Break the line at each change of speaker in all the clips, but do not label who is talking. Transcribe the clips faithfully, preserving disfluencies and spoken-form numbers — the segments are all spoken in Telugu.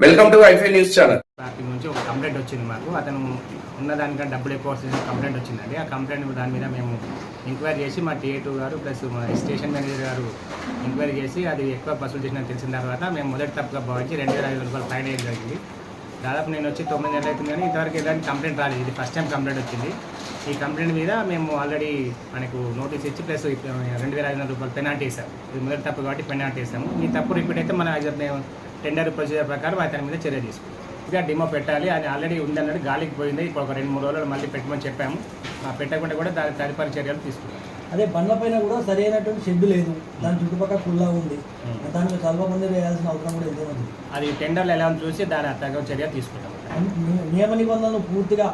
వెల్కమ్ టు ఐఫై న్యూస్ ఛానల్.
పార్టీ నుంచి ఒక కంప్లైంట్ వచ్చింది మాకు. అతను ఉన్నదానికంటే డబ్బులు ఎక్కువ వస్తుంది కంప్లైంట్ వచ్చిందండి. ఆ కంప్లైంట్ దాని మీద మేము ఎంక్వైరీ చేసి మా టీఏ టూ గారు ప్లస్ మా స్టేషన్ మేనేజర్ గారు ఎంక్వైరీ చేసి అది ఎక్కువ వసూలు చేసినట్టు తెలిసిన తర్వాత మేము మొదటి తప్పుగా భావించి రెండు వేల ఐదు రూపాయలు ఫైన్ వేయడం జరిగింది. దాదాపు నేను వచ్చి తొమ్మిది నెలలు అవుతుంది కానీ ఇంతవరకు ఎలాంటి కంప్లైంట్ రాలేదు. ఇది ఫస్ట్ టైం కంప్లైంట్ వచ్చింది. ఈ కంప్లైంట్ మీద మేము ఆల్రెడీ మనకు నోటీస్ ఇచ్చి ప్లస్ రెండు వేల ఐదు వందల రూపాయలు పెనాల్టీ వేసాము. ఇది మొదటి తప్పు కాబట్టి పెనాల్టీ వేసాము. ఈ తప్పు రిపీట్ అయితే మన మేము టెండర్ ప్రొసీజర్ ప్రకారం అతని మీద చర్య తీసుకుంటాం. ఇక డిమో పెట్టాలి, అది ఆల్రెడీ ఉందన్నట్టు గాలికి పోయింది. ఇప్పుడు ఒక రెండు మూడు రోజులు మళ్ళీ పెట్టమని చెప్పాము. పెట్టకుండా కూడా దాని తదుపరి చర్యలు తీసుకుంటాం.
అదే బండ్ల పైన కూడా సరైనటువంటి షెడ్ లేదు, దాని చుట్టుపక్కల కుల్లా ఉంది, దానికి చాలా మంది వేయాల్సిన అవసరం కూడా ఎంతో ఉంది.
అది టెండర్లు ఎలా చూసి దాని తగ్గ చర్య తీసుకుంటాం.
నియమ నిబంధనలు పూర్తిగా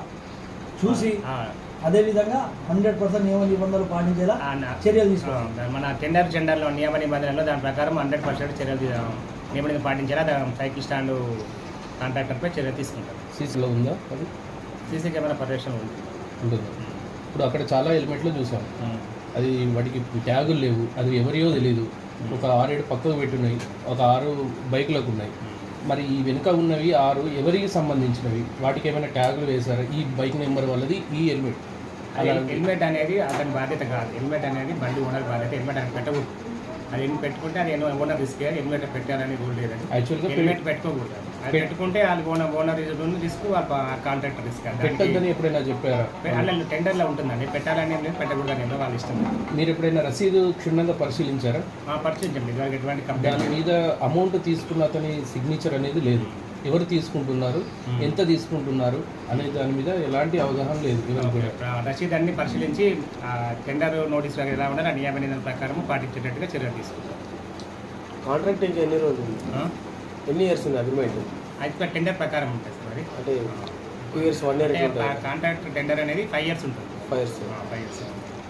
చూసి అదేవిధంగా హండ్రెడ్ పర్సెంట్ నియమ నిబంధనలు పాటించేలా చర్యలు తీసుకోవాలి.
మన టెండర్ టెండర్లో నియమ నిబంధనలు దాని ప్రకారం హండ్రెడ్ పర్సెంట్ చర్యలు నియమని పాటించేలా సైకిల్ స్టాండ్ కాంట్రాక్టర్పై చర్య తీసుకుంటారు.
సీసీలో ఉందా అది?
సీసీ కెమెరా పరిరక్షణ ఉంది
ఉంటుంది. ఇప్పుడు అక్కడ చాలా హెల్మెట్లు చూసాం, అది వాటికి ట్యాగులు లేవు, అది ఎవరియో తెలియదు. ఒక ఆరేడు పక్కకు పెట్టున్నాయి, ఒక ఆరు బైకులకు ఉన్నాయి. మరి ఈ వెనుక ఉన్నవి ఆరు ఎవరికి సంబంధించినవి? వాటికి ఏమైనా ట్యాగులు వేశారు? ఈ బైక్ నెంబర్ వాళ్ళది ఈ హెల్మెట్.
అలా హెల్మెట్ అనేది అతని బాధ్యత కాదు. హెల్మెట్ అనేది బండి ఓనర్ బాధ్యత. హెల్మెట్ అని పెట్టకూడదు. అది ఎన్ని పెట్టుకుంటే అది ఓనర్ రిస్క్. హెల్మెట్ పెట్టాలని రూల్ లేదని.
యాక్చువల్గా
హెల్మెట్ పెట్టుకోకూడదు. అది పెట్టుకుంటే వాళ్ళు owner owner risk, contractor risk.
పెట్టద్దని ఎప్పుడైనా చెప్పారా?
అలా టెండర్లో ఉంటుందండి. పెట్టాలని ఏం లేదు, పెట్టకూడదని ఏదో వాళ్ళ ఇష్టం.
మీరు ఎప్పుడైనా రసీదు క్షుణ్ణంగా పరిశీలించారా?
పరిశీలించండి. ఇవాళ ఎటువంటి
దాని
కంప్లైంట్
మీద అమౌంట్ తీసుకున్న అతని సిగ్నేచర్ అనేది లేదు. ఎవరు తీసుకుంటున్నారు, ఎంత తీసుకుంటున్నారు అనే దాని మీద ఎలాంటి అవగాహన లేదు.
రసీదు అన్ని పరిశీలించి టెండర్ నోటీస్ ఎలా ఉండాలి ఆ నియమ నిబంధనల ప్రకారం పాటించేటట్టుగా చర్యలు తీసుకుంటారు.
కాంట్రాక్ట్ ఇంకా ఎన్ని రోజులు, ఎన్ని ఇయర్స్ ఉంది అగ్రిమెంట్?
అది టెండర్ ప్రకారం ఉంటుంది సార్. అది
అంటే two years one year
contract tender అనేది ఫైవ్ ఇయర్స్ ఉంటుంది.
ఫైవ్ ఇయర్స్
ఫైవ్ ఇయర్స్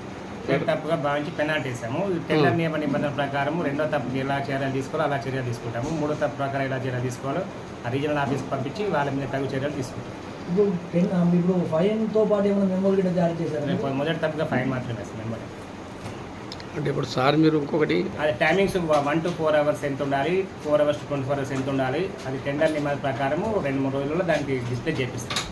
తప్పుగా భావించి పెనాల్టీ వేసాము. టెండర్ నియమ నిబంధనల ప్రకారం రెండో తప్పు ఎలా చర్యలు తీసుకోవాలో అలా చర్యలు తీసుకుంటాము. మూడో తప్పు ప్రకారం ఎలా చర్యలు తీసుకోవాలో ఆ రీజనల్ ఆఫీస్కి పంపించి వాళ్ళ మీద తగు చర్యలు తీసుకుంటాం.
ఇప్పుడు ఇప్పుడు ఫైన్తో పాటు ఏమైనా మెమోలు కూడా జారీ చేశారు?
మొదటి తప్పుగా ఫైన్ మాత్రమే వేస్తాం మెమోరీ.
అంటే ఇప్పుడు సార్ మీరు ఇంకొకటి
అది timings one to four hours ఎంత ఉండాలి, four hours to twenty four hours ఎంత ఉండాలి, అది టెండర్ నియమాల ప్రకారము రెండు మూడు రోజుల్లో దానికి డిస్ప్లే చేపిస్తాం.